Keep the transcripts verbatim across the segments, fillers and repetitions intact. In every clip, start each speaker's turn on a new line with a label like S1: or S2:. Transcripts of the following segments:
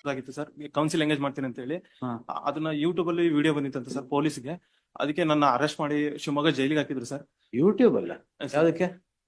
S1: ಆಗಿತ್ತು sir, council engage ಮಾಡ್ತೀನಿ ಅಂತ ಹೇಳಿ.
S2: ಹಾ.
S1: ಅದನ್ನ ಯೂಟ್ಯೂಬ್ ಅಲ್ಲಿ ವಿಡಿಯೋ ಬಂದಿತ್ತಂತ ಸರ್ ಪೊಲೀಸ್ಗೆ. ಅದಕ್ಕೆ ನನ್ನ ಅರೆಸ್ಟ್ ಮಾಡಿ ಶಿವಮೊಗ್ಗ ಜೈಲಿಗೆ ಹಾಕಿದ್ರು ಸರ್.
S2: ಯೂಟ್ಯೂಬ್ ಅಲ್ಲ,
S1: ಸರ್,
S2: ಯಾವ್ದಕ್ಕೆ?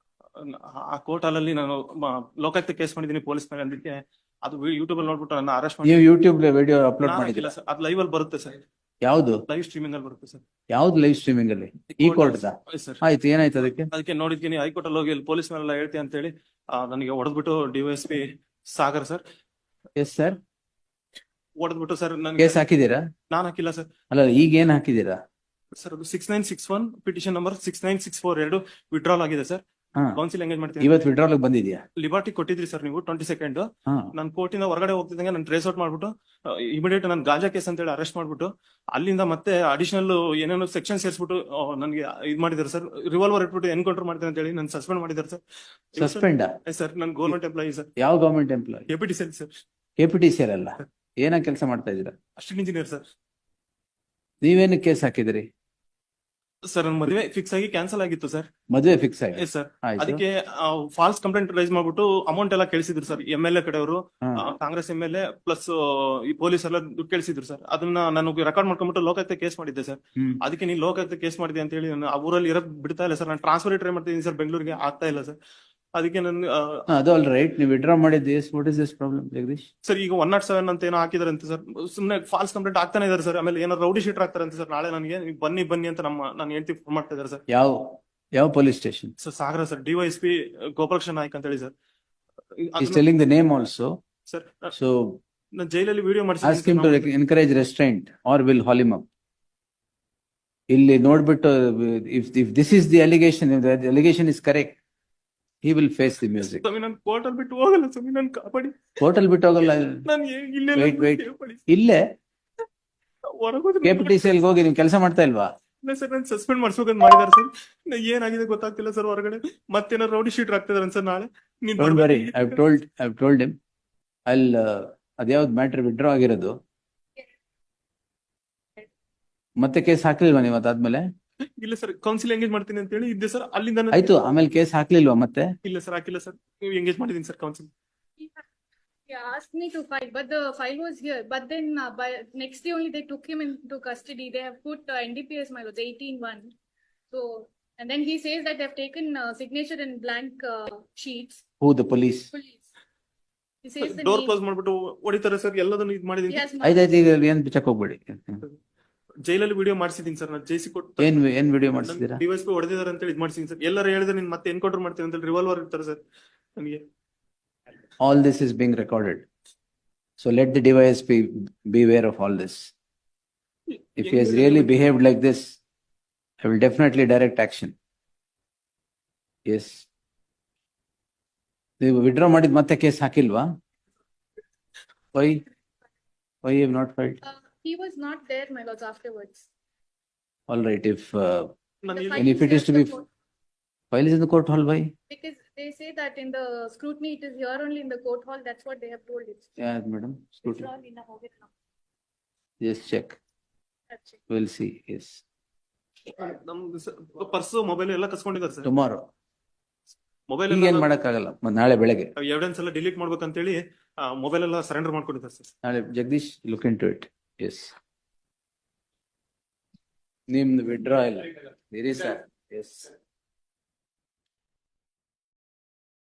S1: ಆ ಕೋರ್ಟ್ ಅಲ್ಲಿ ನಾನು ಮ- ಲೋಕಾಯುಕ್ತ ಕೇಸ್ ಮಾಡಿದ್ದೀನಿ ಪೊಲೀಸ್ ಮೇಲೆ. ಅದಕ್ಕೆ ಅದು ಯೂಟ್ಯೂಬ್ ಅಲ್ಲಿ ನೋಡ್ಬಿಟ್ಟು ನನ್ನ ಅರೆಸ್ಟ್ ಮಾಡಿ.
S2: ನೀವು ಯೂಟ್ಯೂಬ್ ವಿಡಿಯೋ ಅಪ್ಲೋಡ್
S1: ನಾನು
S2: ಮಾಡಿದಿಲ್ಲ?
S1: ಹಾಕಿಲ್ಲ ಸರ್, ಅದು ಲೈವ್ ಅಲ್ಲಿ ಬರುತ್ತೆ ಸರ್,
S2: ಯಾವ್ದು
S1: ಲೈವ್ ಸ್ಟ್ರೀಮಿಂಗ್ ಅಲ್ಲಿ ಬರುತ್ತೆ ಸರ್.
S2: ಯಾವ್ದು ಲೈವ್ ಸ್ಟ್ರೀಮಿಂಗ್ ಅಲ್ಲಿ? ಈ ಕೋರ್ಟ್
S1: ಸರ್
S2: ಆಯ್ತು, ಏನಾಯ್ತು ಅದಕ್ಕೆ?
S1: ಅದಕ್ಕೆ ನೋಡಿದ್ತೀನಿ ಹೈಕೋರ್ಟ್ ಅಲ್ಲಿ ಹೋಗಿ ಅಲ್ಲಿ ಪೊಲೀಸ್ ಮೇಲೆಲ್ಲ ಹೇಳ್ತೀನಿ ಅಂತ ಹೇಳಿ ಆ, ನನಗೆ ಹೊಡೆದ್ಬಿಟ್ಟು DYSP Sagar sir
S2: yes sir,
S1: ಹೊಡೆದ್ಬಿಟ್ಟು ಸರ್ ನನಗೆ.
S2: ಕೇಸ್ ಹಾಕಿದೀರಾ?
S1: ನಾನು ಹಾಕಿಲ್ಲ ಸರ್.
S2: ಅಲ್ಲ, ಈಗ ಏನ್ ಹಾಕಿದೀರಾ?
S1: ಸರ್ ಅದು six nine six one petition number six nine six four ಎರಡು ವಿಡ್ರಾಲ್ ಆಗಿದೆ ಸರ್.
S2: ಹಾ,
S1: ಕೌನ್ಸಿಲ್ ಎಂಗೇಜ್ ಮಾಡ್ತೀನಿ.
S2: ಇವತ್ತು ವಿಡ್ರಾಲ್ ಬಂದಿದ್ಯಾ?
S1: ಲಿಬರ್ಟಿ ಕೊಟ್ಟಿದ್ರಿ ಸರ್ ನೀವು ಟ್ವೆಂಟಿ ಸೆಕೆಂಡ್.
S2: ಹಾ,
S1: ನಾನು ಕೋರ್ಟಿಂದ ಹೊರಗಡೆ ಹೋಗ್ತಿದ್ದಂಗೆ ನಾನು ಟ್ರೇಸ್ ಔಟ್ ಮಾಡ್ಬಿಟ್ಟು ಇಮಿಡಿಯೇಟ್ ನಾನು ಗಾಂಜಾ ಕೇಸ್ ಅಂತ ಹೇಳಿ ಅರೆಸ್ಟ್ ಮಾಡ್ಬಿಟ್ಟು ಅಲ್ಲಿಂದ ಮತ್ತೆ ಅಡಿಷನಲ್ ಏನೇನೋ ಸೆಕ್ಷನ್ ಸೇರಿಸ್ಬಿಟ್ಟು ನನಗೆ ಇದು ಮಾಡಿದ್ದಾರೆ ಸರ್. ರಿವಾಲ್ವರ್ ಇಟ್ಬಿಟ್ಟು ಎನ್ಕೌಂಟರ್ ಮಾಡ್ತೀನಿ ಅಂತ ಹೇಳಿ ನಾನು ಸಸ್ಪೆಂಡ್ ಮಾಡಿದ್ದಾರೆ ಸರ್.
S2: ಸಸ್ಪೆಂಡ್?
S1: ಸರ್ ನಾನು ಗೌರ್ಮೆಂಟ್ ಎಂಪ್ಲಾಯಿ ಸರ್.
S2: ಯಾವ government employee?
S1: APT sir sir
S2: KPT C ಅಲ್ಲ, ಏನ ಕೆಲಸ ಮಾಡ್ತಾ ಇದೀರಾ?
S1: Assistant engineer sir.
S2: ನೀವೇನು ಕೇಸ್ ಹಾಕಿದಿರಿ?
S1: ಸರ್ ನನ್ನ ಮದುವೆ ಫಿಕ್ಸ್ ಆಗಿ ಕ್ಯಾನ್ಸಲ್ ಆಗಿತ್ತು ಸರ್.
S2: ಮದುವೆ ಫಿಕ್ಸ್ ಆಗಿ?
S1: Yes sir.
S2: ಆಯ್ತು.
S1: ಅದಕ್ಕೆ ಫಾಲ್ಸ್ ಕಂಪ್ಲೇಂಟ್ ರೈಸ್ ಮಾಡ್ಬಿಟ್ಟು ಅಮೌಂಟ್ ಎಲ್ಲ ಕೇಳಿಸಿದ್ರು ಸರ್. ಎಂ ಎಲ್ ಎ ಕಡೆಯವರು,
S2: ಹಾ.
S1: Congress M L A plus ಈ ಪೊಲೀಸ್ ಎಲ್ಲ ದುಡ್ಡು ಕೇಳಿಸಿದ್ರು ಸರ್. ಅದನ್ನ ನಾನು ರೆಕಾರ್ಡ್ ಮಾಡ್ಕೊಂಡ್ಬಿಟ್ಟು ಲೋಕಾಯುಕ್ತ ಕೇಸ್ ಮಾಡಿದ್ದೆ ಸರ್.
S2: ಹ್ಮ್.
S1: ಅದಕ್ಕೆ ನೀವು ಲೋಕಾಯುಕ್ತ ಕೇಸ್ ಮಾಡಿದೆ ಅಂತ ಹೇಳಿ ನಾನು ಆ ಊರಲ್ಲಿ ಇರಕ್ ಬಿಡ್ತಾ ಇಲ್ಲ ಸರ್. ನಾನು ಟ್ರಾನ್ಸ್ಫರ್ ಟ್ರೈ ಮಾಡ್ತಿದ್ದೀನಿ ಸರ್, ಬೆಂಗಳೂರಿಗೆ ಆಗ್ತಾ ಇಲ್ಲ ಸರ್. ಅದಕ್ಕೆ ನಾನು
S2: ಹಾ, ಅದು ಆಲ್ ರೈಟ್. ನೀವು ವಿಡ್ರಾ ಮಾಡಿದ್ದು yes what is this problem Jagadish?
S1: Sir ಈಗ ಒನ್ ನಾಟ್ ಸೆವೆನ್ ಅಂತ ಏನೋ ಹಾಕಿದಾರೆ ಅಂತ ಸರ್. ಸುಮ್ಮನೆ ಫಾಲ್ಸ್ ಕಂಪ್ಲೇಂಟ್ ಆಗ್ತಾನೆ ಇದಾರೆ ಸರ್. ಆಮೇಲೆ ಏನೋ ರೌಡಿ ಶೀಟರ್ ಆಗ್ತಾರೆ ಅಂತ ಸರ್. ನಾಳೆ ನನಗೆ ನೀವು ಬನ್ನಿ ಬನ್ನಿ ಅಂತ ನಮ್ಮ ನಾನು ಹೇಳ್ತಿ ಫೋನ್ ಮಾಡ್ತಾ ಇದ್ದಾರೆ ಸರ್.
S2: ಯಾವ ಯಾವ police station?
S1: Sir Sagara sir, DYSP Gopalakrishna Naik ಅಂತ ಹೇಳಿ sir.
S2: He's telling the name also.
S1: Sir
S2: So
S1: ನಾನು ಜೈಲಲ್ಲಿ video
S2: ask him to rec- encourage restraint or will haul him up. ಇಲ್ಲಿ ನೋಡ್ಬಿಟ್ಟು if if this is the allegation, if the allegation is correct, he will face the music.
S1: ಸ್ವಾಮಿ ನಾನು court ಅಲ್ಲಿ ಬಿಟ್ಟು ಹೋಗಲ್ಲ ಸ್ವಾಮಿ, ನಾನು ಕಾಪಾಡಿ.
S2: ಕೋರ್ಟ್ ಅಲ್ಲಿ ಬಿಟ್ಟು ಹೋಗಲ್ಲ.
S1: ನಾನು ಇಲ್ಲೇ
S2: Wait, wait. ಇಲ್ಲೇ ಕೆಪಿಟಿಸಿ ಅಲ್ಲಿ ಹೋಗಿ ನೀವು ಕೆಲಸ ಮಾಡ್ತಾ ಇಲ್ವಾ?
S1: ಇಲ್ಲ ಸರ್, ನಾನು ಸಸ್ಪೆಂಡ್ ಮಾಡಿಸ್ಬೇಕಂತ ಮಾಡಿದಾರೆ ಸರ್. ಏನಾಗಿದೆ ಗೊತ್ತಾಗ್ತಿಲ್ಲ ಸರ್. ಹೊರಗಡೆ ಮತ್ತೇನೋ ರೌಡಿ ಶೀಟರ್ ಆಗ್ತಿದಾರೆ ಸರ್. ನಾಳೆ ನೀನ್
S2: Don't worry, I've told I've told him. I'll uh, ಅದ್ಯಾವ್ದು ಮ್ಯಾಟರ್ ವಿಡ್ರಾ ಆಗಿರೋದು? ಮತ್ತೆ ಕೇಸ್ ಹಾಕ್ಲಿಲ್ವಾ ನೀವು ಅದಾದ್ಮೇಲೆ?
S1: ಇಲ್ಲ ಸರ್, ಕೌನ್ಸಿಲ್ ಎಂಗೇಜ್ ಮಾಡ್ತೀನಿ ಅಂತ ಹೇಳಿ ಇದ್ದೆ ಸರ್. ಅಲ್ಲಿಂದ ನಾನು-
S2: ಆಯ್ತು, ಆಮೇಲೆ ಕೇಸ್ ಹಾಕ್ಲಿಲ್ವಾ ಮತ್ತೆ?
S1: ಇಲ್ಲ ಸರ್, ಹಾಕಿಲ್ಲ ಸರ್. ನೀವು ಎಂಗೇಜ್ ಮಾಡಿದೀನಿ sir counsel.
S3: He asked me to file, but the file was here. But then uh, by next day only they took him into custody. They have put uh, N D P S my lords eighteen one. So and then he says that they have taken uh, signature in blank uh, sheets.
S2: Who, the police?
S3: Police. He says the
S1: door
S3: name.
S1: Close ಮಾಡ್ಬಿಟ್ಟು ಹೊಡಿತಾರೆ sir. ಎಲ್ಲದನ್ನು ಇದು
S3: He
S1: ಮಾಡಿದೀನಿ.
S3: has marked-
S2: ಆಯ್ತಾಯ್ತು, ಈಗ ಏನ್ check ಹೋಗ್ಬೇಡಿ.
S1: ಜೈಲಲ್ಲಿ ವಿಡಿಯೋ ಮಾಡಿಸಿದೀನಿ ಸರ್. ನಾನು ಜೈಸಿ ಕೊಟ್ಟು
S2: ಏನ್ ಏನ್ ವಿಡಿಯೋ ಮಾಡಿಸಿದೀರಾ?
S1: ಡಿವೈಸ್ ಪಿ ಹೊಡೆದಿದ್ದಾರೆ ಅಂತ ಹೇಳಿ ಇದು ಮಾಡಿಸಿದೀನಿ ಸರ್. ಎಲ್ಲರೂ ಹೇಳಿದ್ರೆ ನೀನ್ ಮತ್ತೆ ಎನ್ಕೌಂಟರ್ ಮಾಡ್ತೀನಿ ಅಂತ ಹೇಳಿ ರಿವಾಲ್ವರ್ ಇರ್ತಾರೆ ಸರ್ ನನಗೆ.
S2: All this is being recorded. So let the device be beware of all this. If he has really behaved like this, I will definitely direct action. Yes. ನೀವು ವಿಡ್ರಾ ಮಾಡಿದ ಮತ್ತೆ case ಹಾಕಿಲ್ವಾ? Why? Why you have not filed?
S3: Uh, he was not there, my lords, afterwards.
S2: All right, if uh,
S1: ನಾನು
S3: The
S1: ಇಲ್ಲಿ-
S3: file
S2: And if
S3: is
S2: it is
S3: here
S2: to
S3: at
S2: be
S3: the court.
S2: file is in the court hall, why?
S3: Because they say that in the scrutiny it is here only in the court hall. That's what they have told it.
S2: Yeah, madam.
S3: It's
S2: Scrutiny.
S3: all in a hotel now.
S2: Just check.
S3: That's it.
S2: We'll see. Yes.
S1: ನಮ್ದು purse mobile ಎಲ್ಲ ಕಸ್ಕೊಂಡಿದ್ದಾರೆ sir.
S2: Tomorrow.
S1: Mobile
S2: ಈಗ ಏನ್ ಮಾಡಕ್ಕಾಗಲ್ಲ. ಮ- ನಾಳೆ ಬೆಳಗ್ಗೆ.
S1: Evidence ಎಲ್ಲ ಡಿಲೀಟ್ ಮಾಡ್ಬೇಕಂತ ಹೇಳಿ ಮೊಬೈಲ್ ಎಲ್ಲ ಸರೆಂಡರ್ ಮಾಡ್ಕೊಂಡಿದ್ದಾರೆ ಸರ್.
S2: ನಾಳೆ Jagadish look into it. Yes. ನಿಮ್ದು ವಿಡ್ರಾ ಇಲ್ಲ ಇರಿ ಸರ್. ಎಸ್.